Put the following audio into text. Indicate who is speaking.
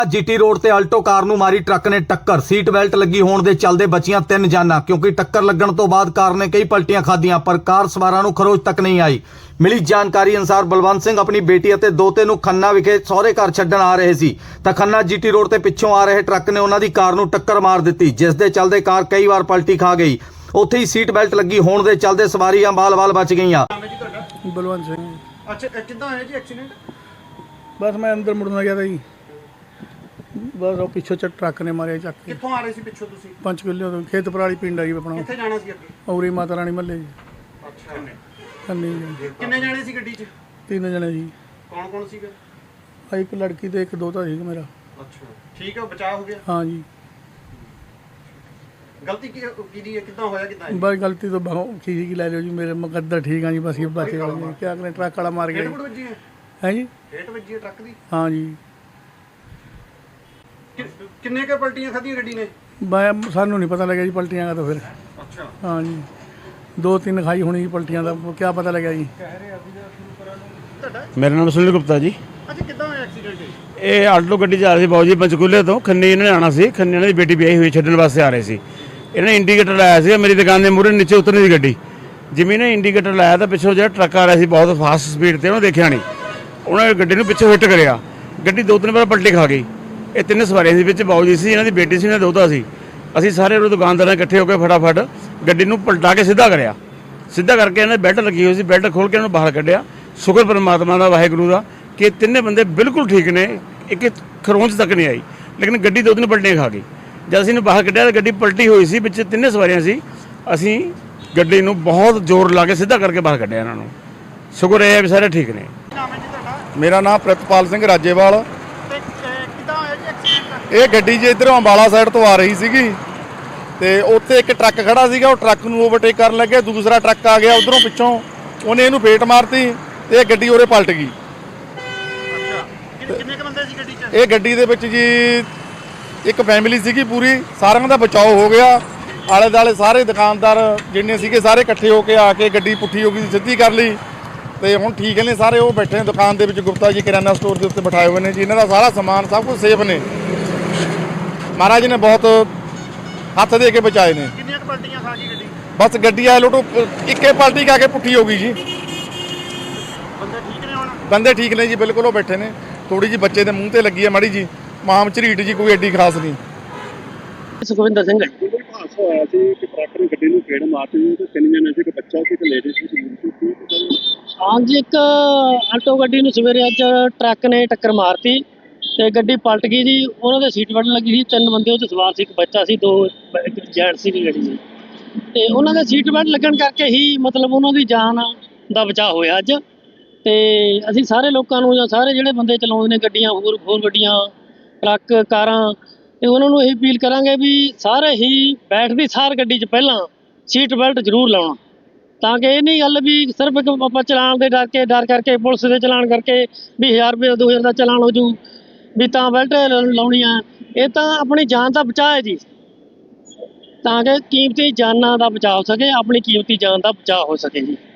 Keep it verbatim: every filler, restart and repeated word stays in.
Speaker 1: GT road ते Alto car नूं मारी ट्रक ने टक्कर। सीट बेल्ट लगी होण दे चलदे बचियां तीन जानां, क्योंकि टक्कर लगण तो बाद कार ने कई पलटियां खाधियां पर कार सवारां नूं खरोच तक नहीं आई। मिली जानकारी अनुसार बलवंत सिंह अपनी बेटी ਅਤੇ ਦੋਤੇ ਨੂੰ खन्ना विखे सहुरे घर छड्डण आ रहे सी ਤਾਂ खन्ना जीटी रोड ते पिछों आ रहे ट्रक ने उन्हां दी कार नूं टक्कर मार दित्ती, जिस दे चलदे कार कई वार पलटी खा गई। ਉੱਥੇ ही सीट बेल्ट लगी होण दे चलदे सवारियां बाल-बाल बच गईयां।
Speaker 2: बलवंत सिंह।
Speaker 3: अच्छा कितना है जी एक्सीडेंट?
Speaker 2: बस मैं अंदर मुड़ना गया था जी, बस ਉਹ ਪਿੱਛੋਂ ਚ ਟਰੱਕ ਨੇ ਮਾਰਿਆ ਚੱਕ ਕੇ।
Speaker 3: ਕਿੱਥੋਂ ਆ ਰਹੇ ਸੀ ਪਿੱਛੋਂ ਤੁਸੀਂ?
Speaker 2: ਪੰਜ ਕਿੱਲੇ ਤੋਂ ਖੇਤ ਪਰਾਲੀ ਪਿੰਡ ਆ ਜੀ ਆਪਣਾ।
Speaker 3: ਕਿੱਥੇ ਜਾਣਾ ਸੀ ਅੱਗੇ?
Speaker 2: ਔਰੀ ਮਾਤਾ ਰਾਣੀ ਮੱਲੇ ਜੀ।
Speaker 3: ਅੱਛਾ
Speaker 2: ਕੰਨੀ ਜੀ।
Speaker 3: ਕਿੰਨੇ ਜਾਣੇ ਸੀ ਗੱਡੀ 'ਚ?
Speaker 2: ਤਿੰਨ ਜਣੇ ਜੀ।
Speaker 3: ਕੌਣ ਕੌਣ ਸੀਗੇ?
Speaker 2: ਆ ਇੱਕ ਲੜਕੀ ਤੇ ਇੱਕ ਦੋਤਾ ਸੀ ਮੇਰਾ।
Speaker 3: ਅੱਛਾ ਠੀਕ ਹੈ, ਬਚਾਅ ਹੋ ਗਿਆ?
Speaker 2: ਹਾਂ ਜੀ।
Speaker 3: ਗਲਤੀ ਕੀ ਕਿਹਦੀ ਹੈ, ਕਿੱਦਾਂ ਹੋਇਆ ਕਿੱਦਾਂ?
Speaker 2: ਬਸ ਗਲਤੀ ਤੋਂ ਬਹੁਤ ਚੀਜ਼ ਕੀ ਲੈ ਲਿਓ ਜੀ, ਮੇਰੇ ਮੁਕੱਦਰ ਠੀਕ ਆ ਜੀ, ਬਸ ਇਹ ਬਚੇ ਵਾਲੇ ਜੀ। ਕਿਆ ਕਰੇ, ਟਰੱਕ ਵਾਲਾ ਮਾਰ ਗਿਆ
Speaker 3: ਹੇਠ ਵੱਜੀ ਹੈ?
Speaker 2: ਹੈ ਜੀ।
Speaker 3: ਹੇਠ ਵੱਜੀ ਹੈ ਟਰੱਕ ਦੀ?
Speaker 2: ਹਾਂ ਜੀ।
Speaker 3: ਕਿੰਨੇ ਕੁ ਪਲਟੀਆਂ ਖਾਧੀਆਂ ਗੱਡੀ ਨੇ?
Speaker 2: ਮੈਂ ਸਾਨੂੰ ਨਹੀਂ ਪਤਾ ਲੱਗਿਆ ਜੀ ਪਲਟੀਆਂ ਦਾ, ਤਾਂ ਫਿਰ
Speaker 3: ਅੱਛਾ
Speaker 2: ਹਾਂ ਜੀ ਦੋ ਤਿੰਨ ਖਾਈ ਹੋਣੀ ਜੀ ਪਲਟੀਆਂ ਦਾ, ਕਿਆ ਪਤਾ ਲੱਗਿਆ ਜੀ।
Speaker 4: मेरा नाम सुनील गुप्ता जी।
Speaker 3: ਅੱਛਾ ਕਿੱਦਾਂ ਹੋਇਆ ਐਕਸੀਡੈਂਟ?
Speaker 4: ਇਹ ਆਲਟੋ ਗੱਡੀ ਜਾ ਰਹੀ ਸੀ ਬਾਊ ਜੀ ਪੰਚਕੂਲੇ ਤੋਂ ਖੰਨੇ ਇਹਨਾਂ ਨੇ ਆਉਣਾ ਸੀ। ਖੰਨੇ ਇਹਨਾਂ ਦੀ ਬੇਟੀ ਵਿਆਹੀ ਹੋਈ ਛੱਡਣ ਵਾਸਤੇ ਆ ਰਹੇ ਸੀ। ਇਹਨਾਂ ਨੇ ਇੰਡੀਕੇਟਰ ਲਾਇਆ ਸੀ ਮੇਰੀ ਦੁਕਾਨ ਦੇ ਮੂਹਰੇ ਨੀਚੇ ਉਤਰਨੀ ਦੀ ਗੱਡੀ। ਜਿਵੇਂ ਨੇ ਇੰਡੀਕੇਟਰ ਲਾਇਆ ਤਾਂ ਪਿੱਛੋਂ ਜਿਹੜਾ ਟਰੱਕ ਆ ਰਿਹਾ ਸੀ ਬਹੁਤ ਫਾਸਟ ਸਪੀਡ ਤੇ, ਉਹਨੇ ਦੇਖਿਆ ਨਹੀਂ, ਉਹਨਾਂ ਨੇ ਗੱਡੀ ਨੂੰ ਪਿੱਛੇ ਹਿੱਟ ਕਰਿਆ। ਗੱਡੀ ਦੋ ਤਿੰਨ ਵਾਰ ਪਲਟੀ ਖਾ ਗਈ। ਇਹ ਤਿੰਨ ਸਵਾਰੀਆਂ ਸੀ, ਵਿੱਚ ਬਾਊ ਜੀ ਸੀ, ਇਹਨਾਂ ਦੀ ਬੇਟੀ ਸੀ, ਇਹਨਾਂ ਦੋਤਾ ਸੀ। ਅਸੀਂ ਸਾਰੇ ਉਹ ਦੁਕਾਨਦਾਰਾਂ ਇਕੱਠੇ ਹੋ ਕੇ ਫਟਾਫਟ ਗੱਡੀ ਨੂੰ ਪਲਟਾ ਕੇ ਸਿੱਧਾ ਕਰਿਆ। ਸਿੱਧਾ ਕਰਕੇ ਇਹਨਾਂ ਬੈਲਟ ਲੱਗੀ ਹੋਈ ਸੀ, ਬੈਲਟ ਖੋਲ੍ਹ ਕੇ ਉਹਨੂੰ ਬਾਹਰ ਕੱਢਿਆ। ਸ਼ੁਕਰ ਪਰਮਾਤਮਾ ਦਾ, ਵਾਹਿਗੁਰੂ ਦਾ, ਕਿ ਤਿੰਨੇ ਬੰਦੇ ਬਿਲਕੁਲ ਠੀਕ ਨੇ, ਇੱਕ ਖਰੋਂਚ ਤੱਕ ਨਹੀਂ ਆਈ, ਲੇਕਿਨ ਗੱਡੀ ਦੋ ਤਿੰਨ ਪਲਟੀਆਂ ਖਾ ਗਈ। ਜਦ ਅਸੀਂ ਇਹਨੂੰ ਬਾਹਰ ਕੱਢਿਆ ਤਾਂ ਗੱਡੀ ਪਲਟੀ ਹੋਈ ਸੀ, ਵਿੱਚ ਤਿੰਨੇ ਸਵਾਰੀਆਂ ਸੀ। ਅਸੀਂ ਗੱਡੀ ਨੂੰ ਬਹੁਤ ਜ਼ੋਰ ਲਾ ਕੇ ਸਿੱਧਾ ਕਰਕੇ ਬਾਹਰ ਕੱਢਿਆ ਇਹਨਾਂ ਨੂੰ। ਸ਼ੁਕਰ ਇਹ ਹੈ ਵੀ ਸਾਰੇ ਠੀਕ ਨੇ।
Speaker 3: ਨਾਮ ਹੈ ਜੀ ਤੁਹਾਡਾ?
Speaker 5: ਮੇਰਾ ਨਾਮ ਪ੍ਰਿਤਪਾਲ ਸਿੰਘ ਰਾਜੇਵਾਲ।
Speaker 3: ਤੇ ਕਿੱਦਾਂ ਹੋਇਆ ਜੀ ਐਕਸੀਡੈਂਟ?
Speaker 5: ਇਹ ਗੱਡੀ ਜੇ ਇੱਧਰੋਂ ਅੰਬਾਲਾ ਸਾਈਡ ਤੋਂ ਆ ਰਹੀ ਸੀਗੀ ਤੇ ਉੱਥੇ ਇੱਕ ਟਰੱਕ ਖੜਾ ਸੀਗਾ, ਉਹ ਟਰੱਕ ਨੂੰ ਓਵਰਟੇਕ ਕਰਨ ਲੱਗੇ, ਦੂਸਰਾ ਟਰੱਕ ਆ ਗਿਆ ਉਧਰੋਂ ਪਿੱਛੋਂ, ਉਹਨੇ ਇਹਨੂੰ ਫੇਟ ਮਾਰਤੀ ਤੇ ਇਹ ਗੱਡੀ ਉਰੇ ਪਲਟ ਗਈ।
Speaker 3: ਅੱਛਾ ਕਿੰਨੇ ਕੁ ਬੰਦੇ ਸੀ ਗੱਡੀ 'ਚ?
Speaker 5: ਇਹ ਗੱਡੀ ਦੇ ਵਿੱਚ ਜੀ ਇੱਕ ਫੈਮਿਲੀ ਸੀਗੀ ਪੂਰੀ, ਸਾਰਿਆਂ ਦਾ ਬਚਾਓ ਹੋ ਗਿਆ। ਆਲੇ ਦੁਆਲੇ ਸਾਰੇ ਦੁਕਾਨਦਾਰ ਜਿੰਨੇ ਸੀਗੇ ਸਾਰੇ ਇਕੱਠੇ ਹੋ ਕੇ ਆ ਕੇ ਗੱਡੀ ਪੁੱਠੀ ਹੋ ਗਈ, ਸਿੱਧੀ ਕਰ ਲਈ ਤੇ ਹੁਣ ਠੀਕ ਨੇ ਸਾਰੇ। ਉਹ ਬੈਠੇ ਨੇ ਦੁਕਾਨ ਦੇ ਵਿੱਚ, ਗੁਪਤਾ ਜੀ ਕਿਰਾਨਾ ਸਟੋਰ ਦੇ ਉੱਤੇ ਬਿਠਾਏ ਹੋਏ ਨੇ ਜੀ। ਇਹਨਾਂ ਦਾ ਸਾਰਾ ਸਮਾਨ ਸਭ ਕੁਝ ਸੇਫ ਨੇ, ਮਹਾਰਾਜ ਨੇ ਬਹੁਤ ਹੱਥ ਦੇ ਕੇ ਬਚਾਏ ਨੇ।
Speaker 3: ਕਿੰਨੀਆਂ ਕੁ ਪਲਟੀਆਂ ਖਾ ਗਈ ਗੱਡੀ?
Speaker 5: ਬਸ ਗੱਡੀ ਆ ਲੋਟੋ ਇੱਕੇ ਪਲਟੀ ਕਾ ਕੇ ਪੁੱਠੀ ਹੋ ਗਈ ਜੀ।
Speaker 3: ਬੰਦੇ ਠੀਕ ਨੇ ਹੁਣ?
Speaker 5: ਬੰਦੇ ਠੀਕ ਨੇ ਜੀ, ਬਿਲਕੁਲ। ਉਹ ਬੈਠੇ ਨੇ, ਥੋੜੀ ਜੀ ਬੱਚੇ ਦੇ ਮੂੰਹ ਤੇ ਲੱਗੀ ਹੈ ਮਾੜੀ ਜੀ, ਮਾਮ ਝਰੀਟ ਜੀ, ਕੋਈ ਐਡੀ ਖਾਸ ਨਹੀਂ।
Speaker 6: ਸੁਖਵਿੰਦਰ ਸਿੰਘ।
Speaker 7: ਹਾਦਸਾ ਹੋਇਆ ਸੀ ਕਿ ਟਰੱਕ ਨੇ ਗੱਡੀ ਨੂੰ ਫੇੜ ਮਾਰਤੀ ਤੇ ਤਿੰਨ ਜਣੇ ਸੀ, ਇੱਕ ਬੱਚਾ ਸੀ, ਇੱਕ ਲੇਡੀ ਸੀ।
Speaker 6: ਹਾਂਜੀ, ਇੱਕ ਆਲਟੋ ਗੱਡੀ ਨੂੰ ਸਵੇਰੇ ਅੱਜ ਟਰੱਕ ਨੇ ਟੱਕਰ ਮਾਰਤੀ ਤੇ ਗੱਡੀ ਪਲਟ ਗਈ ਜੀ। ਉਹਨਾਂ ਦੇ ਸੀਟ ਬੈਲਟ ਲੱਗੀ ਸੀ, ਤਿੰਨ ਬੰਦੇ ਉਹ 'ਚ ਸਵਾਰ ਸੀ, ਇੱਕ ਬੱਚਾ ਸੀ, ਦੋ ਜੈਂਟ ਸੀ ਗੱਡੀ 'ਚ। ਤੇ ਉਹਨਾਂ ਦੇ ਸੀਟ ਬੈਲਟ ਲੱਗਣ ਕਰਕੇ ਹੀ ਮਤਲਬ ਉਹਨਾਂ ਦੀ ਜਾਨ ਦਾ ਬਚਾਅ ਹੋਇਆ ਅੱਜ। ਤੇ ਅਸੀਂ ਸਾਰੇ ਲੋਕਾਂ ਨੂੰ ਜਾਂ ਸਾਰੇ ਜਿਹੜੇ ਬੰਦੇ ਚਲਾਉਂਦੇ ਨੇ ਗੱਡੀਆਂ, ਹੋਰ ਹੋਰ ਗੱਡੀਆਂ, ਟਰੱਕ, ਕਾਰਾਂ, ਤੇ ਉਹਨਾਂ ਨੂੰ ਇਹ ਅਪੀਲ ਕਰਾਂਗੇ ਵੀ ਸਾਰੇ ਹੀ ਬੈਠਦੀ ਸਾਰ ਗੱਡੀ 'ਚ ਪਹਿਲਾਂ ਸੀਟ ਬੈਲਟ ਜ਼ਰੂਰ ਲਾਉਣਾ, ਤਾਂ ਕਿ ਇਹ ਨਹੀਂ ਗੱਲ ਵੀ ਸਿਰਫ ਇੱਕ ਆਪਾਂ ਚਲਾਨ ਦੇ ਡਰ ਕੇ ਡਰ ਕਰਕੇ ਪੁਲਿਸ ਦੇ ਚਲਾਨ ਕਰਕੇ ਵੀ ਹਜ਼ਾਰ ਰੁਪਏ ਦੋ ਹਜ਼ਾਰ ਦਾ ਚਲਾਨ ਹੋ ਜੂ ਵੀ ਤਾਂ ਬੈਲਟ ਲਾਉਣੀ ਆ। ਇਹ ਤਾਂ ਆਪਣੀ ਜਾਨ ਦਾ ਬਚਾਅ ਹੈ ਜੀ, ਤਾਂ ਕਿ ਕੀਮਤੀ ਜਾਨਾਂ ਦਾ ਬਚਾਅ ਹੋ ਸਕੇ, ਆਪਣੀ ਕੀਮਤੀ ਜਾਨ ਦਾ ਬਚਾਅ ਹੋ ਸਕੇ ਜੀ।